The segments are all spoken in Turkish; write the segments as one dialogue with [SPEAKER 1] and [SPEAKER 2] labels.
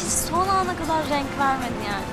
[SPEAKER 1] Hiç son ana kadar renk vermedi yani.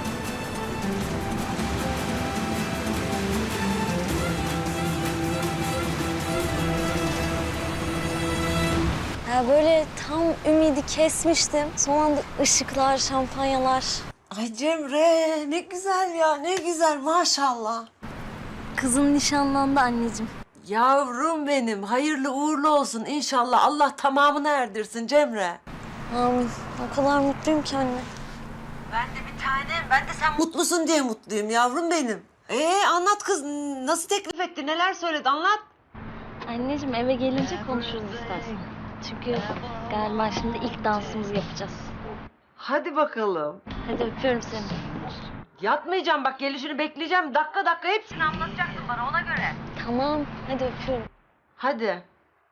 [SPEAKER 1] Ya böyle tam ümidi kesmiştim. Son anda ışıklar, şampanyalar.
[SPEAKER 2] Ay Cemre ne güzel ya ne güzel maşallah.
[SPEAKER 1] Kızım nişanlandı anneciğim.
[SPEAKER 2] Yavrum benim hayırlı uğurlu olsun inşallah Allah tamamını erdirsin Cemre.
[SPEAKER 1] Amin. O kadar mutluyum ki anne.
[SPEAKER 2] Ben de bir tanem ben de sen mutlusun diye mutluyum yavrum benim. Anlat kız nasıl teklif etti neler söyledi anlat.
[SPEAKER 1] Anneciğim eve gelince konuşuruz istersen. Çünkü galiba şimdi ilk dansımızı yapacağız.
[SPEAKER 2] Hadi bakalım.
[SPEAKER 1] Hadi öpüyorum seni.
[SPEAKER 2] Yatmayacağım bak gelişini bekleyeceğim dakika dakika hepsini anlatacaksın bana ona göre.
[SPEAKER 1] Tamam, hadi öpüyorum.
[SPEAKER 2] Hadi.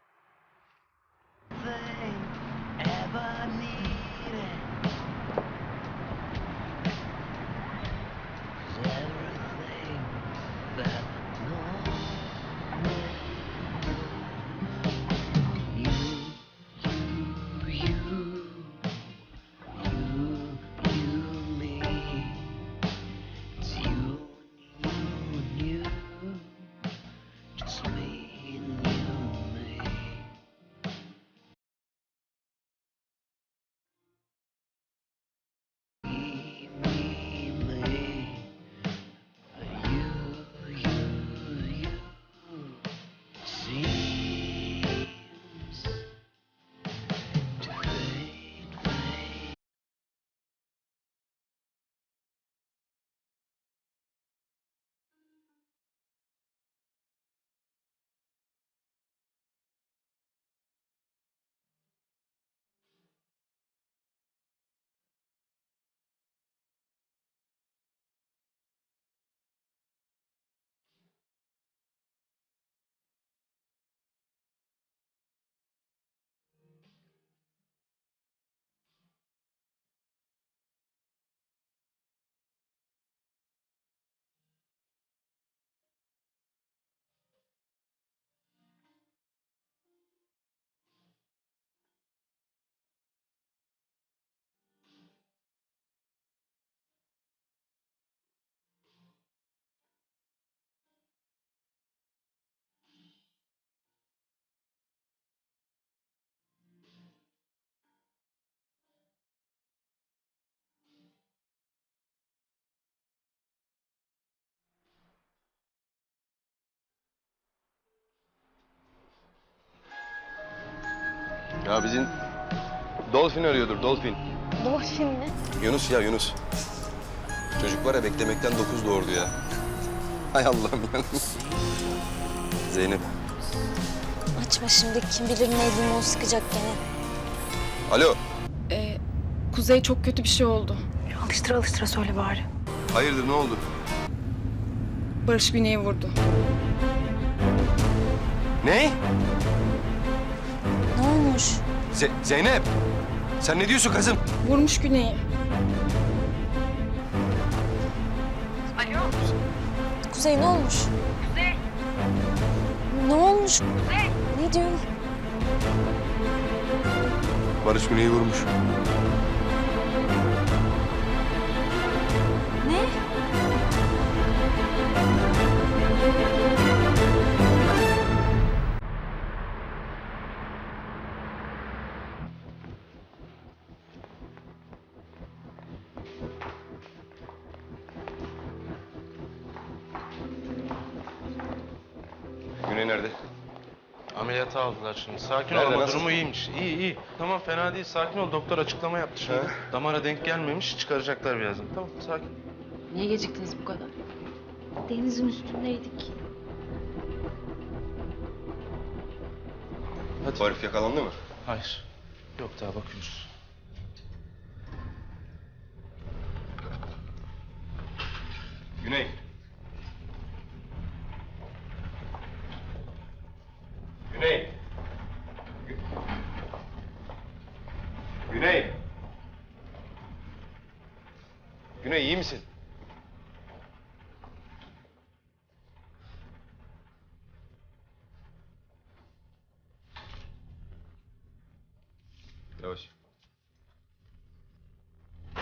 [SPEAKER 3] Ya bizim Dolphin arıyordur, Dolphin.
[SPEAKER 1] Dolphin mi?
[SPEAKER 3] Yunus ya, Yunus. Çocuk var ya, beklemekten 9 doğurdu ya. Hay Allah'ım ya. Zeynep.
[SPEAKER 1] Açma şimdi, kim bilir ne limon sıkacak gene.
[SPEAKER 3] Alo.
[SPEAKER 4] Kuzey çok kötü bir şey oldu.
[SPEAKER 5] Alıştıra alıştıra söyle bari.
[SPEAKER 3] Hayırdır, ne oldu?
[SPEAKER 4] Barış Güney'i vurdu.
[SPEAKER 3] Ne?
[SPEAKER 1] Ne olmuş?
[SPEAKER 3] Zeynep. Sen ne diyorsun kızım?
[SPEAKER 4] Vurmuş Güney'i.
[SPEAKER 1] Kuzey ne olmuş? Kuzey. Ne olmuş? Kuzey. Ne diyor?
[SPEAKER 3] Barış Güney'i vurmuş.
[SPEAKER 1] Ne?
[SPEAKER 3] Güney nerede?
[SPEAKER 6] Ameliyata aldılar şimdi. Sakin ol
[SPEAKER 3] Nerede,
[SPEAKER 6] ama
[SPEAKER 3] nasıl?
[SPEAKER 6] durumu iyiymiş. İyi iyi. Tamam fena değil. Sakin ol. Doktor açıklama yaptı şimdi.
[SPEAKER 3] He?
[SPEAKER 6] Damara denk gelmemiş. Çıkaracaklar birazdan. Tamam sakin.
[SPEAKER 5] Niye geciktiniz bu kadar?
[SPEAKER 1] Denizin üstündeydik.
[SPEAKER 3] Bu herif yakalandı mı?
[SPEAKER 6] Hayır. Yok daha bakıyoruz.
[SPEAKER 3] Güney. Güney. Güney. Güney iyi misin? Yavaş.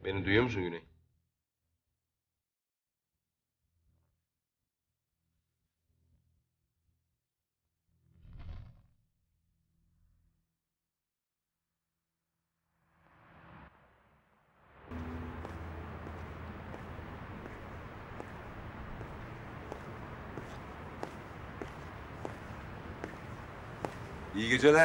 [SPEAKER 3] Beni duyuyor musun Güney? İyi geceler.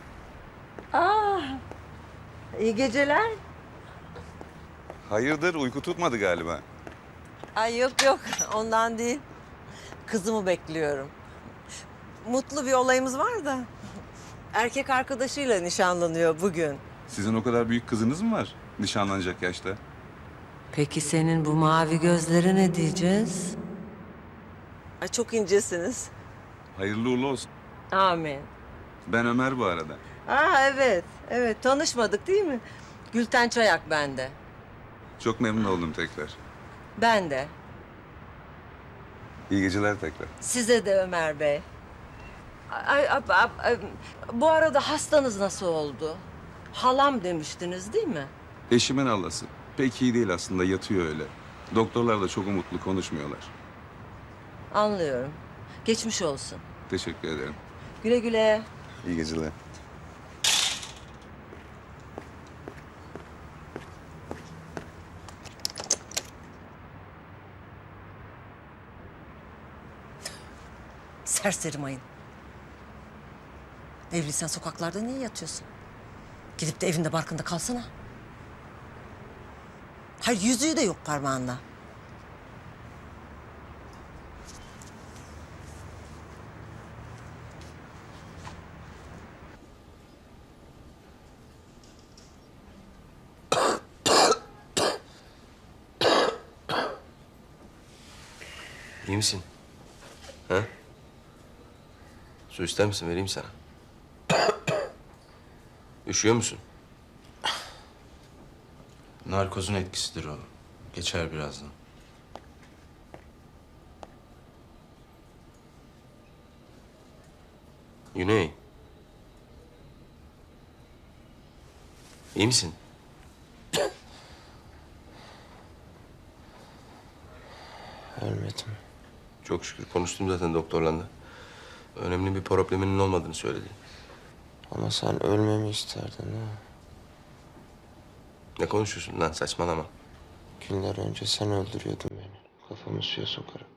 [SPEAKER 2] İyi geceler.
[SPEAKER 3] Hayırdır, uyku tutmadı galiba.
[SPEAKER 2] Ay yok yok, ondan değil. Kızımı bekliyorum. Mutlu bir olayımız var da. Erkek arkadaşıyla nişanlanıyor bugün.
[SPEAKER 3] Sizin o kadar büyük kızınız mı var nişanlanacak yaşta?
[SPEAKER 2] Peki senin bu mavi gözlere ne diyeceğiz? Ay çok incesiniz.
[SPEAKER 3] Hayırlı uğurlu olsun.
[SPEAKER 2] Amin.
[SPEAKER 3] Ben Ömer bu arada.
[SPEAKER 2] Evet, evet. Tanışmadık değil mi? Gülten Çayak bende.
[SPEAKER 3] Çok memnun oldum tekrar.
[SPEAKER 2] Ben de.
[SPEAKER 3] İyi geceler tekrar.
[SPEAKER 2] Size de Ömer Bey. Bu arada hastanız nasıl oldu? Halam demiştiniz değil mi?
[SPEAKER 3] Eşimin Allah'sı. Pek iyi değil aslında, yatıyor öyle. Doktorlar da çok umutlu konuşmuyorlar.
[SPEAKER 2] Anlıyorum. Geçmiş olsun.
[SPEAKER 3] Teşekkür ederim.
[SPEAKER 2] Güle güle.
[SPEAKER 3] İyi geceler.
[SPEAKER 2] Serseri mayın. Evliysen sokaklarda niye yatıyorsun? Gidip de evinde barkında kalsana. Hayır, yüzüğü de yok parmağında.
[SPEAKER 3] İyi misin? Ha? Su ister misin? Vereyim sana. Üşüyor musun?
[SPEAKER 6] Narkozun etkisidir o. Geçer birazdan.
[SPEAKER 3] Güney. İyi misin?
[SPEAKER 7] Ölmedim.
[SPEAKER 3] Çok şükür. Konuştum zaten doktorla da. Önemli bir probleminin olmadığını söyledi.
[SPEAKER 7] Ama sen ölmemi isterdin ha.
[SPEAKER 3] Ne konuşuyorsun lan? Saçmalama.
[SPEAKER 7] Günler önce sen öldürüyordun beni. Kafamı suya sokarım.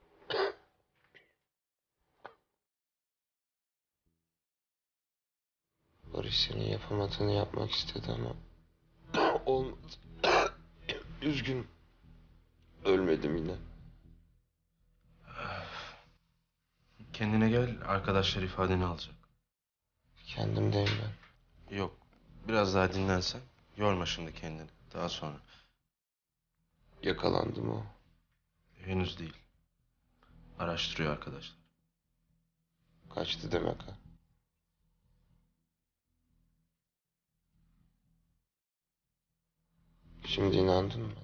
[SPEAKER 7] Barış senin yapamadığını yapmak istedi ama olmadı. Üzgünüm. Ölmedim yine.
[SPEAKER 6] Kendine gel, arkadaşlar ifadeni alacak.
[SPEAKER 7] Kendimdeyim ben.
[SPEAKER 6] Yok, biraz daha dinlensen. Yorma şimdi kendini. Daha sonra.
[SPEAKER 7] Yakalandım o.
[SPEAKER 6] Henüz değil. Araştırıyor arkadaşlar.
[SPEAKER 7] Kaçtı demek ha. Şimdi inandın mı?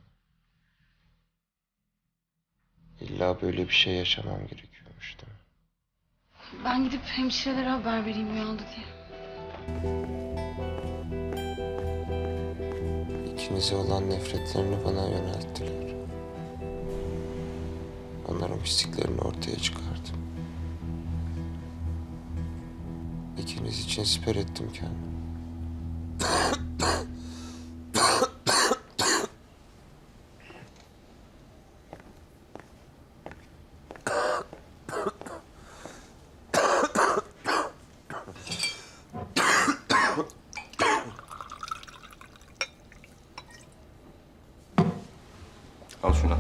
[SPEAKER 7] İlla böyle bir şey yaşamam gerekiyormuş değil mi?
[SPEAKER 5] Ben gidip hemşirelere haber vereyim uyandı diye.
[SPEAKER 7] İkinize olan nefretlerini bana yönelttiler. Onların pisliklerini ortaya çıkardım. İkiniz için siper ettim kendimi.
[SPEAKER 3] Al şunu.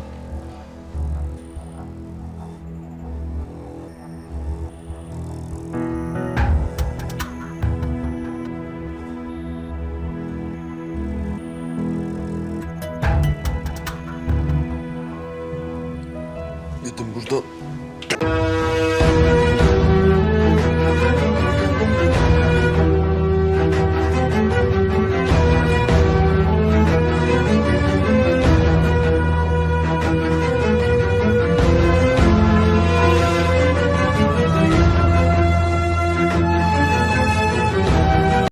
[SPEAKER 7] Dedim burada